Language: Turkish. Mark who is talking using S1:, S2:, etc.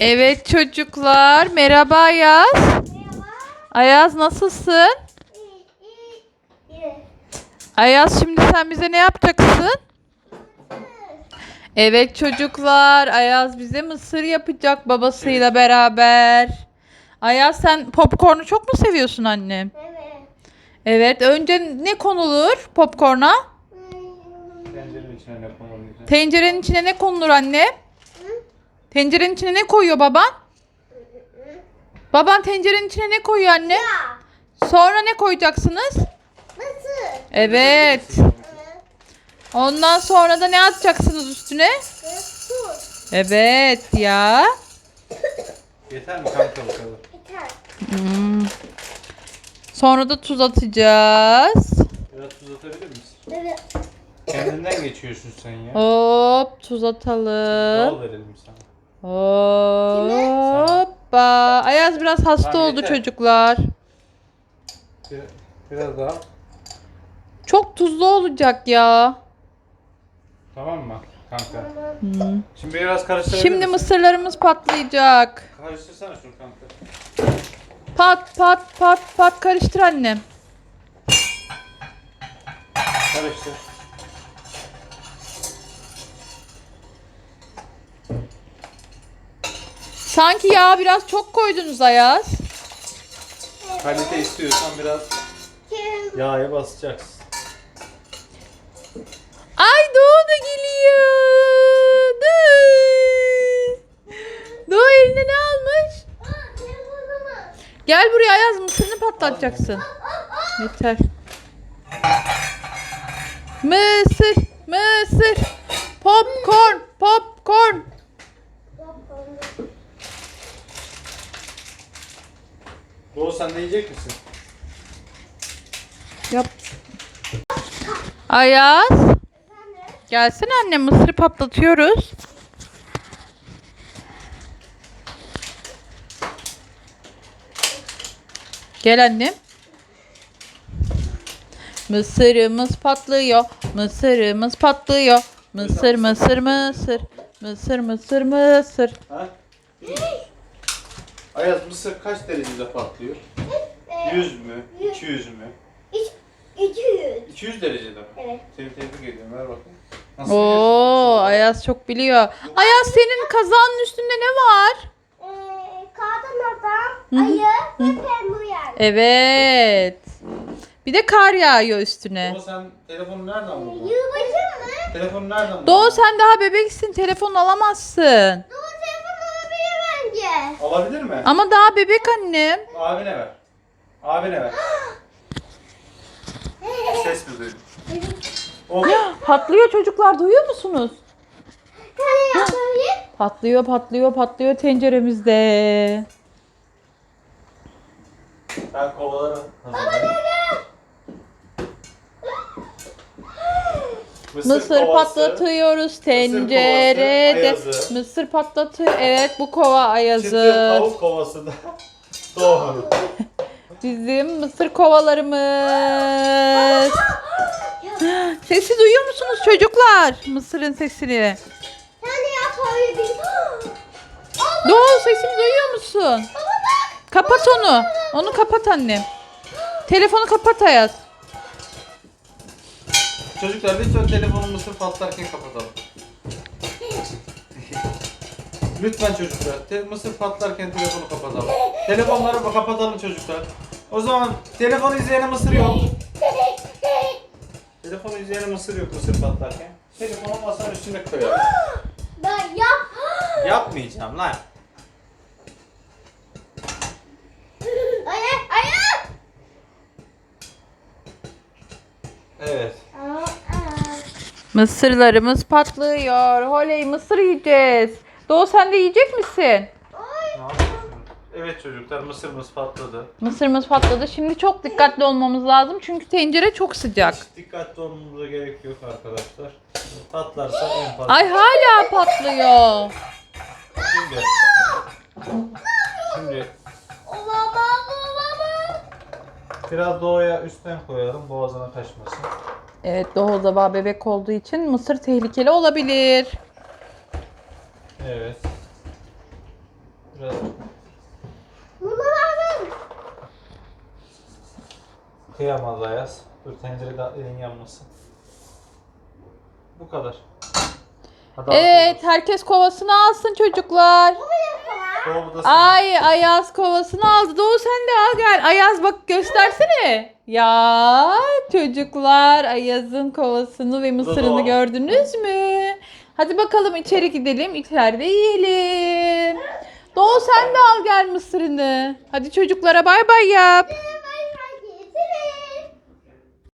S1: Evet çocuklar, merhaba Ayaz.
S2: Merhaba.
S1: Ayaz nasılsın?
S2: İyi.
S1: Ayaz şimdi sen bize ne yapacaksın? Evet çocuklar, Ayaz bize mısır yapacak babasıyla beraber. Ayaz sen popcornu çok mu seviyorsun annem?
S2: Evet.
S1: Evet, önce ne konulur popcorna?
S3: Tencerenin içine ne konuluydu?
S1: Tencerenin içine ne konulur anne? Tencerenin içine ne koyuyor baban? Baban tencerenin içine ne koyuyor anne?
S2: Ya.
S1: Sonra ne koyacaksınız?
S2: Nasıl?
S1: Evet. Ondan sonra da ne atacaksınız üstüne?
S2: Su.
S1: Evet ya.
S3: Yeter mi kanka bu kadar?
S2: Yeter.
S1: Hmm. Sonra da tuz atacağız.
S3: Biraz tuz atabilir misin?
S2: Evet.
S3: Kendinden geçiyorsun sen ya.
S1: Hop tuz atalım.
S3: Bal verelim sana.
S1: Hoppa. Ayaz biraz hasta
S3: Tamam,
S1: oldu
S3: yeter.
S1: çocuklar.
S3: Biraz daha.
S1: Çok tuzlu olacak ya.
S3: Tamam mı kanka?
S1: Hmm.
S3: Şimdi biraz karıştırabilir
S1: Şimdi
S3: misin?
S1: mısırlarımız patlayacak.
S3: Karıştırsana şunu kanka.
S1: Pat pat pat pat karıştır annem.
S3: Karıştır.
S1: Sanki yağ biraz çok koydunuz Ayaz.
S3: Kalite istiyorsan biraz
S2: Kim?
S3: yağa basacaksın.
S1: Ay Doğu da geliyor. Doğu. Doğu eline ne almış?
S2: Telefonumu.
S1: Gel buraya Ayaz mısırını patlatacaksın. Yeter. Mısır, mısır. Popcorn, popcorn.
S3: Doğu sen de yiyecek misin?
S1: Yap. Ayaz. Gelsene anne mısırı patlatıyoruz. Gel annem. Mısırımız patlıyor. Mısırımız patlıyor. Mısır mısır mısır. Mısır mısır mısır.
S3: Ha? Ayaz mısır kaç derecede patlıyor? 100 mü? 200 mü?
S2: 200.
S3: 200 derecede mi?
S2: Evet.
S3: Seni tebrik ediyorum. Ver bakayım. Nasıl
S1: Oo,
S3: yiyorsun?
S1: Ayaz çok biliyor. Ayaz senin kazanın üstünde ne var?
S2: Kadın adam, ayı ve penguen.
S1: Evet. Bir de kar yağıyor üstüne.
S3: Doğu sen telefonu nereden buldun?
S2: Yılbaşı mı?
S3: Telefonu nereden buldun?
S1: Doğu sen daha bebeksin. Telefon alamazsın.
S2: Doğru telefon olabilir bence.
S3: Alabilir mi?
S1: Ama daha bebek annem.
S3: Abine ver. Abine ver. Ses mi duydun? Oh.
S1: Patlıyor çocuklar duyuyor musunuz?
S2: Tane yapabilir.
S1: Patlıyor patlıyor patlıyor tenceremizde.
S3: Ben kovaları hazırlayayım.
S1: Mısır
S3: kovası,
S1: patlatıyoruz
S3: kovası,
S1: tencerede.
S3: Ayaz'ı.
S1: Mısır patlatıyor. Evet bu kova
S3: Çıtır
S1: Ayaz'ı.
S3: tavuk kovası da Doğu'nun.
S1: Bizim mısır kovalarımız. Sesi duyuyor musunuz çocuklar? Mısırın sesini.
S2: Tane yapabilir.
S1: Doğu sesini duyuyor musun? Kapat onu. Onu kapat annem. Telefonu kapat Ayaz.
S3: Çocuklar lütfen telefonu mısır patlarken kapatalım. Lütfen çocuklar. Mısır patlarken telefonu kapatalım. Telefonları kapatalım çocuklar. O zaman telefonu izleyene mısır yok. Telefonu izleyene mısır yok mısır patlarken. Telefonu masanın üstüne koyalım.
S2: Ben yap.
S3: Yapmayacağım lan.
S2: Ayı, ayı.
S3: Evet.
S1: Mısırlarımız patlıyor. Holey mısır yiyeceğiz. Doğu sen de yiyecek misin?
S3: Ne yapıyorsun? Evet çocuklar mısırımız patladı.
S1: Mısırımız patladı. Şimdi çok dikkatli olmamız lazım. Çünkü tencere çok sıcak.
S3: Hiç dikkatli olmamıza gerek yok arkadaşlar. Patlarsa en fazla.
S1: Ay hala patlıyor.
S3: Şimdi. Şimdi
S2: Baba.
S3: biraz doğuya üstten koyalım boğazına kaçmasın.
S1: Evet Doğu da bebek olduğu için mısır tehlikeli olabilir.
S3: Evet. Biraz.
S2: Bunu verdim.
S3: Kıyamaz Ayaz. Dur tencerede elin yanmasın. Bu kadar. Hadi
S1: Evet, herkes kovasını alsın çocuklar.
S3: Doğru da
S1: Ay, Ayaz kovasını aldı. Doğu sen de al gel. Ayaz bak göstersene. Ya çocuklar, Ayaz'ın kovasını ve mısırını
S3: Doğu.
S1: gördünüz mü? Hadi bakalım içeri gidelim. İçeride yiyelim. Doğu sen de al gel mısırını. Hadi çocuklara bay bay yap.